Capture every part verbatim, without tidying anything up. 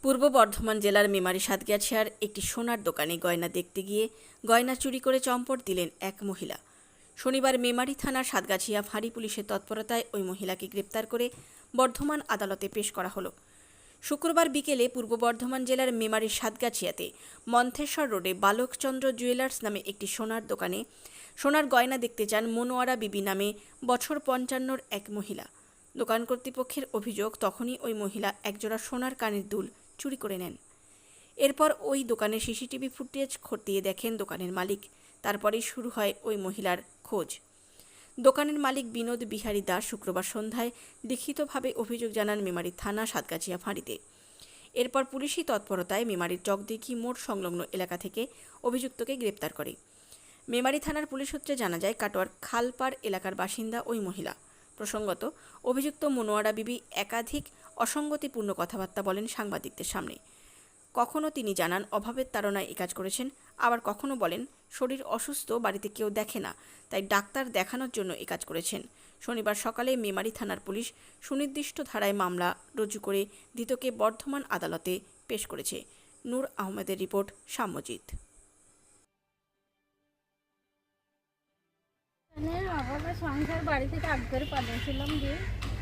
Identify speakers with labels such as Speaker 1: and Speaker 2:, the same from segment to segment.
Speaker 1: পূর্ব বর্ধমান জেলার মেমারি সাতগাছিয়ার একটি সোনার দোকানে গয়না দেখতে গিয়ে গয়না চুরি করে চম্পট দিলেন এক মহিলা। শনিবার মেমারি থানার সাতগাছিয়া ফাঁড়ি পুলিশের তৎপরতায় ওই মহিলাকে গ্রেপ্তার করে বর্ধমান আদালতে পেশ করা হলো। শুক্রবার বিকেলে পূর্ব বর্ধমান জেলার মেমারির সাতগাছিয়াতে মন্থেশ্বর রোডে বালকচন্দ্র জুয়েলার্স নামে একটি সোনার দোকানে সোনার গয়না দেখতে যান মনোয়ারা বিবি নামে বছর পঞ্চান্নর এক মহিলা। দোকান কর্তৃপক্ষের অভিযোগ, তখনই ওই মহিলা একজোড়া সোনার কানের দুল চুরি করে নেন। এরপর ওই দোকানের সিসিটিভি ফুটেজ খতিয়ে দেখেন দোকানের মালিক। তারপরেই শুরু হয় ওই মহিলার খোঁজ। দোকানের মালিক বিনোদ বিহারী দাস শুক্রবার সন্ধ্যায় লিখিতভাবে অভিযোগ জানান মেমারি থানা সাতগাছিয়া ফাঁড়িতে। এরপর পুলিশি তৎপরতায় মেমারির চকদিঘি মোড় সংলগ্ন এলাকা থেকে অভিযুক্তকে গ্রেপ্তার করে। মেমারি থানার পুলিশ সূত্রে জানা যায়, কাটোয়ার খালপাড় এলাকার বাসিন্দা ওই মহিলা। প্রসঙ্গত, অভিযুক্ত মনোয়ারা বিবি একাধিক অসঙ্গতিপূর্ণ কথাবার্তা বলেন সাংবাদিকদের সামনে। কখনো তিনি জানান অভাবের তাড়নায় এ কাজ করেছেন, আবার কখনো বলেন শরীর অসুস্থ, বাড়িতে কেউ দেখে না, তাই ডাক্তার দেখানোর জন্য এ কাজ করেছেন। শনিবার সকালে মেমারি থানার পুলিশ সুনির্দিষ্ট ধারায় মামলা রুজু করে ধৃতকে বর্ধমান আদালতে পেশ করেছে। নূর আহমেদের রিপোর্ট, সাম্যজিৎ।
Speaker 2: সংসার বাড়ি থেকে আগ করে পালিয়েছিলাম দিয়ে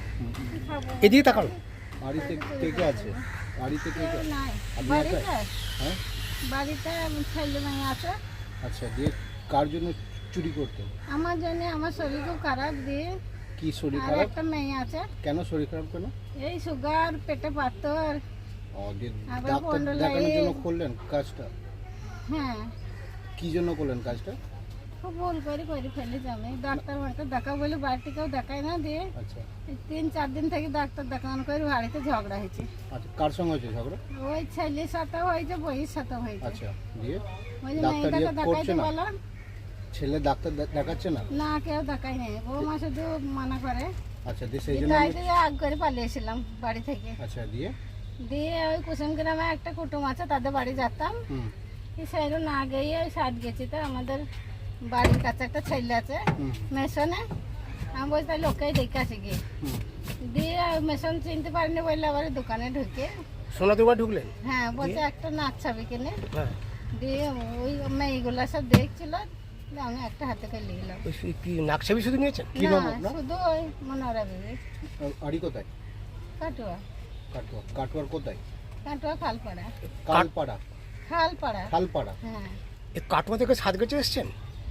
Speaker 3: এদিকে তাকালো।
Speaker 4: বাড়িতে কে কে আছে? বাড়িতে কে কে?
Speaker 2: নাই
Speaker 4: আপনি
Speaker 2: বাড়িতে
Speaker 4: একাই? হ্যাঁ,
Speaker 2: বাড়িতে ছেলে মেয়ে আছে।
Speaker 4: আচ্ছা, দিয়ে কার জন্য চুরি করতে?
Speaker 2: আমার জন্য, আমার শরীর খুব খারাপ দিয়ে।
Speaker 4: কি শরীর
Speaker 2: আর
Speaker 4: খারাপ?
Speaker 2: একটা মেয়ে আছে।
Speaker 4: কেন শরীর খারাপ কেন?
Speaker 2: এই সুগার, পেটে পাথর।
Speaker 4: ও, দিয়ে
Speaker 2: আবার
Speaker 4: ডাক্তার
Speaker 2: পন্ডলাইট।
Speaker 4: দেখানোর জন্য করলেন কাজটা?
Speaker 2: হ্যাঁ,
Speaker 4: কি জন্য করলেন কাজটা?
Speaker 2: খুব ভুল করে করে ফেলেছি আমি। ডাক্তার মাকে দেখা বলে বাড়িতে কেউ দেখায় না দিয়ে
Speaker 4: আচ্ছা
Speaker 2: এই তিন চার দিন থেকে ডাক্তার দেখানো করে বাড়িতে ঝগড়া হয়েছে।
Speaker 4: আচ্ছা, কার সঙ্গে হয়েছে ঝগড়া?
Speaker 2: ওই ছেলের সাথেও হয়েছে, বইয়ের সাথেও হয়েছে।
Speaker 4: আচ্ছা, দিয়ে
Speaker 2: ওই যে
Speaker 4: ডাক্তার
Speaker 2: মেয়েটাকে
Speaker 4: ইয়ে করছে
Speaker 2: দেখাইতে
Speaker 4: না?
Speaker 2: বললাম,
Speaker 4: ছেলে ডাক্তার দে- দেখাচ্ছে না?
Speaker 2: না কেউ দেখাই নেই। বৌমা শুধু মানা করে।
Speaker 4: আচ্ছা, দিয়ে সেই জন্য
Speaker 2: তাইতে আগ করে পালিয়েছিলাম বাড়ি থেকে।
Speaker 4: আচ্ছা, দিয়ে
Speaker 2: দিয়ে ওই কুসুম গ্রামে একটা কুটুম আছে, তাদের বাড়ি যেতাম।
Speaker 4: হুম
Speaker 2: সেরো না গিয়ে ওই সাত গেছি। তো আমাদের বাড়ির কাছে একটা ছেলে আছে
Speaker 4: হুম
Speaker 2: মেশনে। আমি বলছি তাহলে ওকেই দেখে আসি গিয়ে।
Speaker 4: হুম
Speaker 2: দিয়ে মেশন চিনতে পারিনি বললে আবার দোকানে ঢুকে,
Speaker 3: সোনা দোকান ঢুকলেন?
Speaker 2: হ্যাঁ বলছে একটা নাচ ছবি কিনে।
Speaker 3: হ্যাঁ।
Speaker 2: দিয়ে ওই মেয়েগুলো সব দেখছিল, দিয়ে আমি একটা হাতে করে নিলাম।
Speaker 3: ওই সু- কি নাকছাবি শুধু নিয়েছেন?
Speaker 4: কি নাম
Speaker 2: না,
Speaker 4: আপনার?
Speaker 2: শুধু ওই মনোরা বিবি।
Speaker 4: আড়ি কোথায়?
Speaker 2: কাটুয়া,
Speaker 4: কাটোয়া। কাটোয়ার কোথায়?
Speaker 2: কাটুয়া খালপাড়া।
Speaker 4: কালপাড়া।
Speaker 2: খালপাড়া,
Speaker 4: খালপাড়া।
Speaker 2: হ্যাঁ।
Speaker 3: এই কাটোয়া থেকে সাতগাছি এসছেন?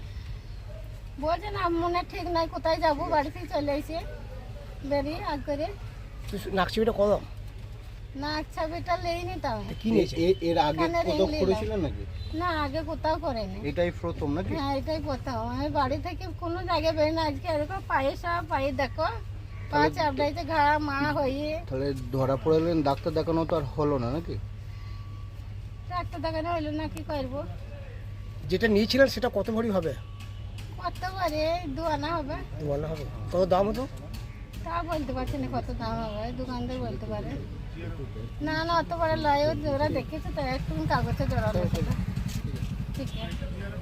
Speaker 2: বলছে না, মনে ঠিক নাই কোথায় যাবো, বাড়ি থেকে চলে এসে বেরিয়ে আগ করে।
Speaker 3: তো সু- নাকছাবিটা কদম
Speaker 2: নাক ছাবিটা লেইনি তো আমি।
Speaker 3: কি নিয়েছে?
Speaker 4: এ- এর আগে
Speaker 2: কানের ring
Speaker 4: কোথাও
Speaker 2: নিলাম।
Speaker 4: করেছিলেন নাকি?
Speaker 2: না, আগে কোথাও করেনি।
Speaker 4: এটাই প্রথম নাকি?
Speaker 2: হ্যাঁ, এটাই কোথাও। আমি বাড়ি থেকে কোনো জায়গায় বেরোই না। আজকে এরকম পায়ে সব পায়ে দেখো, পা চাপড়াইতে ঘা মা হয়ে।
Speaker 4: তাহলে ধরা পড়লেন, ডাক্তার দেখানো তো আর হলো না নাকি?
Speaker 2: ডাক্তার দেখানো হইলো না, কি করবো?
Speaker 3: যেটা নিয়েছিলেন সেটা কত ভরি হবে?
Speaker 2: কত পারে দু আনা হবে।
Speaker 3: বলা হবে কত দাম হতো?
Speaker 2: তা বলতে পারছি না কত দাম হবে, দোকানদার বলতে পারে। না না, অত বড় লয়, ও জোড়া দেখেছে তো, একটু কাগজে জোড়ানো ছিল। ঠিক আছে।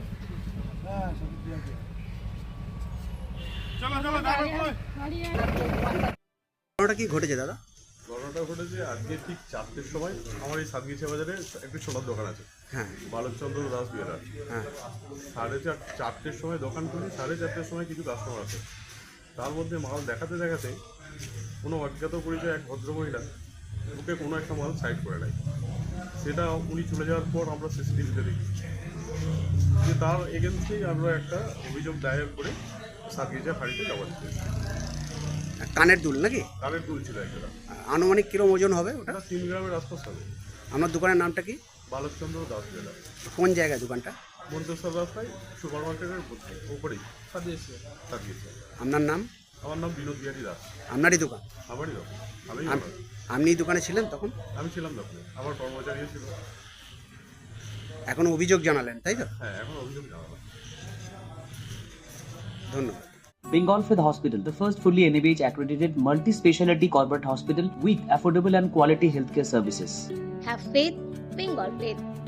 Speaker 2: বাড়ি আয়।
Speaker 3: ঘটনাটা কি ঘটেছে দাদা?
Speaker 5: ঘটনাটা ঘটেছে আজকে ঠিক চারটের সময়। আমার এই সাতগিছা বাজারে একটি সোনার দোকান আছে,
Speaker 3: হ্যাঁ
Speaker 5: বালকচন্দ্র দাস জুয়েলার।
Speaker 3: হ্যাঁ
Speaker 5: সাড়ে চার চারটের সময় দোকান খুলি, সাড়ে চারটের সময় কিছু কাস্টমার আছে। তার মধ্যে মাল দেখাতে দেখাতে কোনো অজ্ঞাত পরিচয় এক ভদ্রমহিলা ওকে কোনো একটা মাল সাইড করে নেয়। সেটা উনি চলে যাওয়ার পর আমরা সিসিটিভিতে দেখি যে তার এগেনস্টেই আমরা একটা অভিযোগ দায়ের করে সাতগিছা ফাঁড়িতে জমা দিতে।
Speaker 6: কানের দুল নাকি?
Speaker 5: কানের দুল ছিল একটা,
Speaker 6: আনুমানিক কিরম ওজন হবে ওটা?
Speaker 5: ওটা তিন গ্রামের আশপাশ হবে।
Speaker 6: আপনার দোকানের নামটা কি?
Speaker 5: বালকচন্দ্র দাস জুয়েলার,
Speaker 6: কোন জায়গায় দোকানটা?
Speaker 5: মন্তেশ্বর রাস্তায় সুপার মার্কেটের উপরেই সাজিয়েছে সাজিয়েছে।
Speaker 6: আপনার নাম?
Speaker 5: আমার নাম বিনোদ বিহারী দাস।
Speaker 6: আপনারই দোকান?
Speaker 5: আমারই দোকান, আমি
Speaker 6: আপ- আপনি এই দোকানে ছিলেন তখন?
Speaker 5: আমি ছিলাম দোকানে, আমার কর্মচারীও ছিল।
Speaker 6: এখন অভিযোগ জানালেন তাই তো?
Speaker 5: হ্যাঁ, এখন অভিযোগ জানালাম।
Speaker 6: ধন্যবাদ।
Speaker 7: Bengal Fifth Hospital, the first fully N A B H accredited multi-specialty corporate hospital with affordable and quality healthcare services.
Speaker 8: Have faith, Bengal faith.